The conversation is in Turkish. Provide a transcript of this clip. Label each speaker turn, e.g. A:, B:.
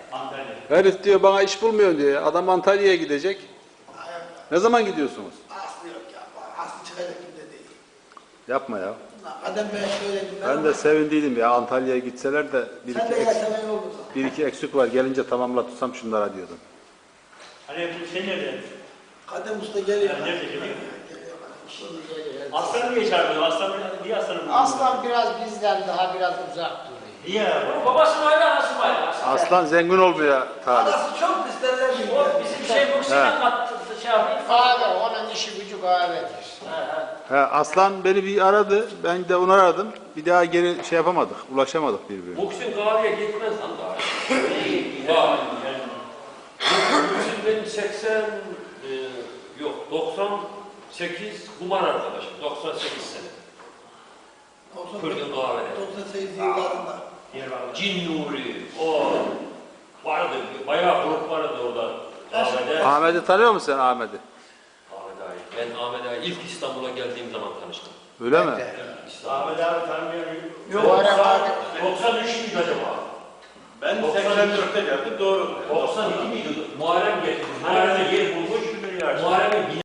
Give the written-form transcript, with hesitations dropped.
A: Antalya.
B: Herif diyor bana iş bulmuyor diyor. Adam Antalya'ya gidecek. Ne zaman gidiyorsunuz?
C: Aslı yok ya. Aslı çıkacak gibi de değil.
B: Yapma ya.
C: Kadem ben söyledim.
B: Ben de sevindiydim ya Antalya'ya gitseler de
C: Sen de yaşanan oldu.
B: bir iki eksik var. Gelince tamamlatırsam şunlara diyordum.
A: Hani sen nerede?
C: Kadem usta geliyor.
A: Nerede geliyor?
C: Şimdi geliyor.
A: Aslan niye çağırıyor? Aslan niye aslanı buluyor?
D: Aslan biraz bizden daha biraz uzak duruyor.
A: Niye?
E: Babası var ya, anası var ya.
B: Aslan zengin olmuyor talip.
C: Arası çok isterler gibi.
E: O bizim şey bu sinan kattı şey yapayım.
D: Kahve, onun işi gücü kahvedir.
B: He, Aslan beni bir aradı. Ben de onu aradım. Bir daha geri şey yapamadık. Ulaşamadık birbirine.
E: Boksun kahveye gitmez lan daha. Vay. Boksun benim 98 kumar arkadaşım. 98 sene. Kırdım kahvede.
C: 98 yıllarında.
E: Cin Nuri, o vardı, bayağı grup vardı orada kahvede.
B: Ahmet'i tanıyor musun sen Ahmet'i?
E: Ahmet Ağa'yı. Ben Ahmet Ağa'yı ilk İstanbul'a geldiğim zaman tanıştım.
B: Öyle mi?
A: Ahmet abi tanımıyorum.
E: Yok,
D: Bu ara
E: 93 müydü acaba?
A: Ben 84'te geldim doğru.
E: 92 miydi? Muharrem getirdi. Muharrem'e yer bulmuş. Muharrem'in